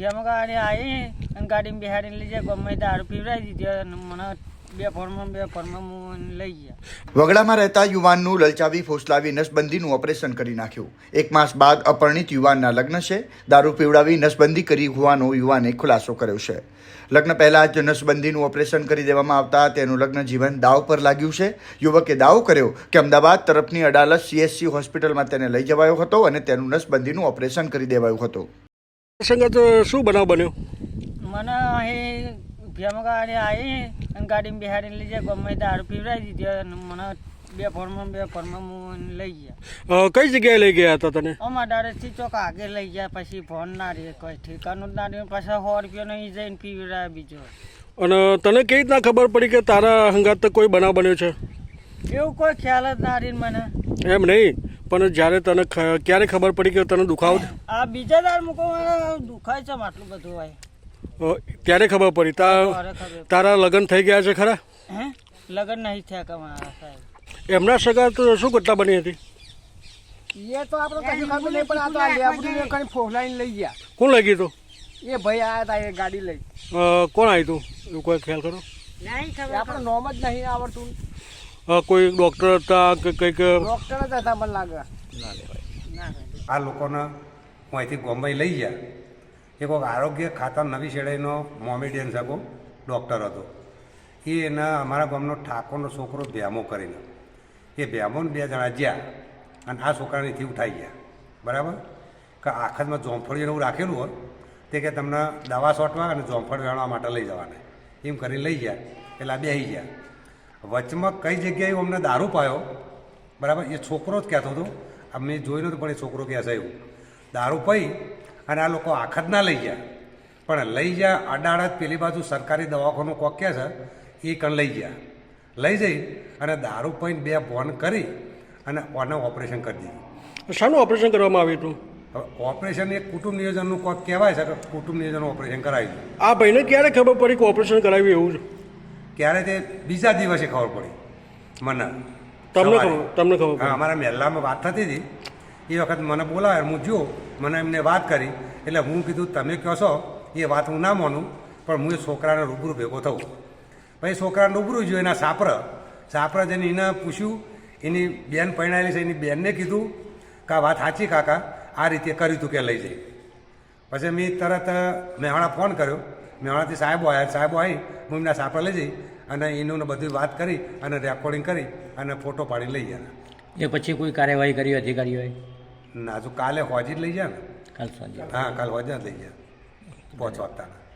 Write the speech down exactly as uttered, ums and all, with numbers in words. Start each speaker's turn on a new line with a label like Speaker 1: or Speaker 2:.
Speaker 1: ભેમાં ગાડી આવી અને ગાડીમાં બિહાડીને લઈ જાય ગમે દારૂ પીવડાવી દીધી અને મને બે ફોર્મમાં બે ફોર્મમાં હું લઈ ગયા.
Speaker 2: વગડામાં રહેતા યુવાનનું લલચાવી ફોસલાવી નસબંધીનું ઓપરેશન કરી નાખ્યું. એક માસ બાદ અપરિણીત યુવાનના લગ્ન છે. દારૂ પીવડાવી નસબંધી કરી હોવાનો યુવાને ખુલાસો કર્યો છે. લગ્ન પહેલા જ નસબંધીનું ઓપરેશન કરી દેવામાં આવતા તેનું લગ્ન જીવન દાવ પર લાગ્યું છે. યુવકે દાવો કર્યો કે અમદાવાદ તરફની અડાલજ સીએચસી હોસ્પિટલમાં તેને લઈ જવાયો હતો અને તેનું નસબંધીનું ઓપરેશન કરી દેવાયું હતું.
Speaker 3: સંગત શું બનાવ બન્યો?
Speaker 1: મને અહીં ભેમાં ગાડી આવી અને ગાડીમાં બિહાડીને લઈ જાય ગમે દારૂ પીવડાવી દીધી અને મને બે ફોર્મમાં બે ફોર્મમાં હું લઈ ગયા.
Speaker 3: કઈ જગ્યાએ લઈ ગયા હતા તને?
Speaker 1: અમારા દારેથી ચોક આગળ લઈ ગયા. પછી ફોન ના રહે કોઈ ઠેકાનું જ ના રહે. પાછા સો રૂપિયાનો અહીં જઈને પીવડાવ્યા બીજો.
Speaker 3: અને તને કેવી રીતના ખબર પડી કે તારા હંગાત કોઈ બનાવ બન્યો છે?
Speaker 1: એવું કોઈ ખ્યાલ જ ના રહે મને.
Speaker 3: એમ નહીં, પણ જ્યારે તને ક્યારે ખબર પડી કે તને દુખાવો?
Speaker 1: આ બીજા દાર મૂકો દુખાય છે આટલું બધું હોય
Speaker 3: ત્યારે ખબર પડી. તારા લગ્ન થઈ ગયા છે ખરા?
Speaker 1: હે લગ્ન નહીં થયા કે મારા સાહેબ.
Speaker 3: એમના સગા તો શું ઘટના બની હતી?
Speaker 4: એ તો આપણે કશું ખબર નહીં, પણ આ તો આ લેબડીને કઈ ફોસલાઈને લઈ ગયા.
Speaker 3: કોણ લઈ ગયું?
Speaker 4: એ ભાઈ આવ્યા હતા એ ગાડી લઈ.
Speaker 3: કોણ આવ્યું તું એવું કોઈ ખ્યાલ કરો?
Speaker 1: નહીં ખબર,
Speaker 4: આપણે નોમ જ નહીં આવડતું.
Speaker 3: કોઈ ડોક્ટર હતા કે કંઈક?
Speaker 4: ડોક્ટર જ હતા મને લાગે.
Speaker 5: આ લોકોને હું અહીંથી બોમ્બે લઈ ગયા. એ કોઈક આરોગ્ય ખાતા નવી શેડાઈનો મોમેડિયન સગો ડૉક્ટર હતો. એ એના અમારા ગામનો ઠાકોરનો છોકરો ભ્યામો કરીને એ ભ્યામોને બે જણા જ્યાં અને આ છોકરાને અહીંથી ઉઠાઈ ગયા. બરાબર કે આખતમાં જોંફળી એવું રાખેલું હોય તે કે તમને દવા છોટવા અને જોંફળ વેણવા માટે લઈ જવાના એમ કરીને લઈ ગયા. એટલે આ બેસી ગયા. વચમાં કઈ જગ્યાએ અમને દારૂ પાયો. બરાબર એ છોકરો જ કહેતો હતો. અમે જોઈ નહોતું પણ એ છોકરો કહે છે એવું દારૂ પી અને આ લોકો આખત ના લઈ ગયા. પણ લઈ ગયા અડાડત પેલી બાજુ સરકારી દવાખાનું કોક કહે છે એ કણ લઈ ગયા. લઈ જઈ અને દારૂ પીને બે ફોન કરી અને ઓને ઓપરેશન કરી દીધું.
Speaker 3: શાનું ઓપરેશન કરવામાં આવ્યું હતું?
Speaker 5: હવે ઓપરેશન એક કુટુંબ નિયોજનનું કોક કહેવાય છે કે કુટુંબ નિયોજનનું ઓપરેશન કરાવ્યું.
Speaker 3: આ ભાઈને ક્યારે ખબર પડી કે ઓપરેશન કરાવ્યું એવું છે?
Speaker 5: ક્યારે તે બીજા દિવસે ખબર પડી મને.
Speaker 3: તમને ખબર? તમને ખબર?
Speaker 5: હા, અમારા મહેલામાં વાત થતી હતી એ વખત મને બોલાવે. હું જો મને એમને વાત કરી એટલે હું કીધું તમે કહો છો એ વાત હું ના માનું, પણ હું એ છોકરાને રૂબરૂ ભેગો થઉં. પછી છોકરાને રૂબરૂ જોયું એના સાપર સાપર જઈને એને પૂછ્યું. એની બેન પરણાયેલી છે એની બેનને કીધું કે આ વાત સાચી કાકા આ રીતે કર્યું હતું કે લઈ જઈ. પછી મેં તરત મેહાણા ફોન કર્યો. મેહાણાથી સાહેબો આવ્યા. સાહેબો આવી હું એમના સાપર લઈ જઈ અને એનું બધી વાત કરી અને રેકોર્ડિંગ કરી અને ફોટો પાડી લઈ ગયા.
Speaker 6: એ પછી કોઈ કાર્યવાહી કરી અધિકારીઓએ?
Speaker 5: ના, હજુ કાલે હોજી જ લઈ ગયા ને.
Speaker 6: કાલ સાંજે?
Speaker 5: હા, કાલ હોજી જ લઈ ગયા પહોંચવાતાના.